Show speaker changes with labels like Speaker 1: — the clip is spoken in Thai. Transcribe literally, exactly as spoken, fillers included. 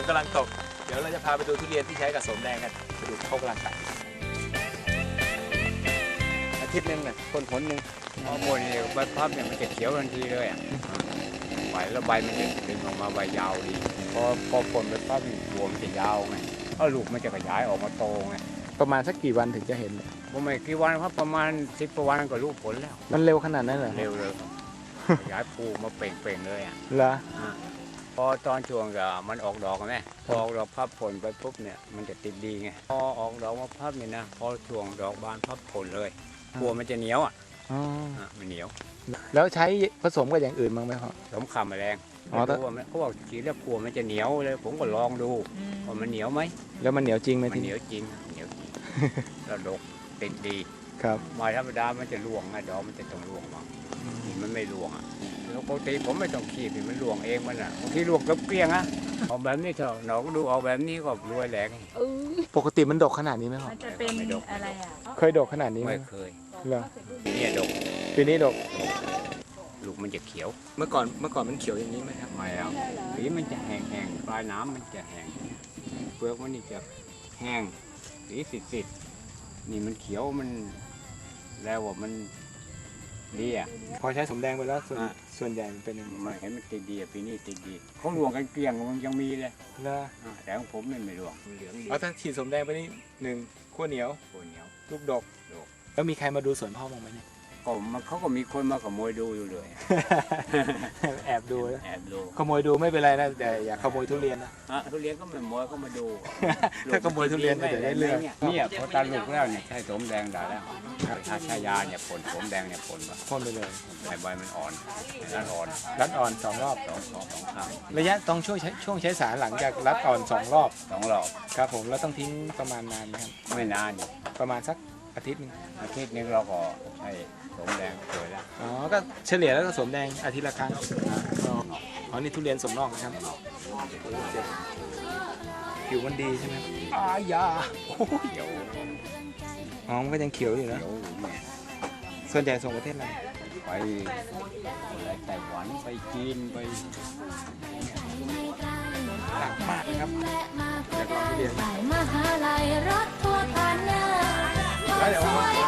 Speaker 1: กำลังตกเดี๋ยวเราจะพาไปดูทุเรียนที่ใช้กับสมแดงกันไปดูเขากำลังตัดอาทิตย์หนึงเนี่ยคนผลหนึ่ง
Speaker 2: มะม่วงนี่ใบพับเนี่ยมันจะเขียวทันทีเลยอ่ะใบแล้วใบมันจะดึงออกมาใบยาวดีพอพอผลใบพับนี่หัวมันจะยาวไงแล้วลูกมันจะขยายออกมาโตไง
Speaker 1: ประมาณสักกี่วันถึงจะเห็นเนี่ย
Speaker 2: ผมไม่กี่วันครับประมาณสิบกว่าวันก็รู้ผลแล้ว
Speaker 1: มันเร็วขนาดนั้นเหรอ
Speaker 2: เร็วเลยครับขยายปูมาเป่งๆเลยอ่ะ
Speaker 1: เหรอ
Speaker 2: พอตอนช่วงก็มันออกดอกไหมพอออกดอกพับผลไปปุ๊บเนี่ยมันจะติดดีไงพอออกดอกมาพับเนี่ยนะพอช่วงดอกบานพับผลเลยบัวมันจะเหนียวอ่ะ
Speaker 1: อ๋อ
Speaker 2: อ่ะมันเหนียว
Speaker 1: แล้วใช้ผสมกับอย่างอื่นบ้างไหมพ่อ
Speaker 2: สมข่าแมลง
Speaker 1: อ๋อแต่
Speaker 2: ไม่รู้ว่ามันเขาบอกฉีดแล้วกลัวมันจะเหนียวเลยผมก็ลองดูว่ามันเหนียวไหม
Speaker 1: แล้วมันเหนียวจริงไหม
Speaker 2: มัน
Speaker 1: ที
Speaker 2: เหนี
Speaker 1: นี้
Speaker 2: ยวจริงเหนียวจริง แล้วดกติดดี
Speaker 1: ครับ
Speaker 2: ไม้ธรรมดามันจะร่วงไงดอกมันจะต้องร่วงมานี่มันไม่ร่วงอ่ะแล้วปกติผมไม่ต้องขีดมันร่วงเองมันอ่ะบางทีร่วงกับเกลี้ยงอ่ะเอาแบบนี้เถอะหนอก็ดูเอาแบบนี้ก็รวยแหลง
Speaker 3: เออ
Speaker 1: ปกติมันดกขนาดนี้ไหมพ่อ
Speaker 3: มันจะเป็นอะไรอ่ะ
Speaker 1: เคยดกขนาดนี้ไหม
Speaker 2: ไม่เคย
Speaker 1: เหรอ
Speaker 2: เนี่ยดก
Speaker 1: ปีนี้ดก
Speaker 2: ลูกมันจะเขียว
Speaker 1: เมื่อก่อนเมื่อก่อนมันเขียวอย่างนี้ไหมครับ
Speaker 2: ไม่เอาสีมันจะแห้งๆปลายน้ำมันจะแห้งเปลือกมันนี่จะแห้งสีสิดๆนี่มันเขียวมันแล้วว่ามันดีอ่ะ
Speaker 1: พอใช้สมแดงไปแล้วส่วน
Speaker 2: อ่ะ
Speaker 1: ส่วนใหญ่มันเป็นยังไง
Speaker 2: มันเห็นมันติดดีอะปีนี้ติดดีเขาหลวงกันเกลี้ยงมันยังมีเลย
Speaker 1: เหรอ
Speaker 2: อ่าแต่ของผมนี่ไม่หลวงมันเหลืองดี
Speaker 1: เอาถ้าฉีดสมแดงไปนี่หนึ่งขั้วเหนียว
Speaker 2: โคนเหนียว
Speaker 1: ลูกดก
Speaker 2: ดก
Speaker 1: แล้วมีใครมาดูสวนพ่อบ้างไหมเนี่ย
Speaker 2: ก็มันเขาก็มีคนมาขโมยดูอยู่เลย
Speaker 1: แอบดูนะ
Speaker 2: แอบดู
Speaker 1: ขโมยดูไม่เป็นไรนะแต่อย่าขโมยทุเรียนนะ
Speaker 2: อ่ะทุเรียนก็ไม่ขโมยก็มาดู
Speaker 1: ถ้าขโมยทุเรียนก็เดี๋ยวได้เรื่อง
Speaker 2: เนี่ยพอตาลูกแล้วเนี่ยใช้สมแดงได้แล้วถ้าใช้ยาเนี่ยผลสมแดงเนี่ยผลว่า
Speaker 1: พ่นไปเลย
Speaker 2: ใบใบมันอ่อนด้านอ่อน
Speaker 1: รัดอ่อนสองรอบ
Speaker 2: สองสองสองข้าง
Speaker 1: ระยะต้องช่วงใช้ช่วงใช้สารหลังจากรัดอ่อนสองรอบ
Speaker 2: สองรอบ
Speaker 1: ครับผมแล้วต้องทิ้งประมาณนานไหมครับ
Speaker 2: ไม่นาน
Speaker 1: ประมาณสักอาทิตย์หนึง
Speaker 2: อาทิตย์นึงเราก็ใช้สมแดงเกิดแล้ว
Speaker 1: อ๋อก็เฉลี่ยแล้วก็สวมแดงอาทิตย์ละครั้งอ๋อนี่ทุเรียนสมนอกนะครับผิวมันดีใช่ไหมอายาโอ้ย
Speaker 2: เขียว
Speaker 1: อ๋อมันก็ยังเขียวอยู่นะ
Speaker 2: เขียวเนี่ย
Speaker 1: ส่วนใหญ่ส่งประเทศอะไร
Speaker 2: ไปอะไรไต้หวันไปจีนไป
Speaker 1: หนักมากนะครับแล้วก็ทุเรียน
Speaker 4: มหาลัยรถทัวร์ผ่านหน้า
Speaker 1: แล้วเดี๋ยว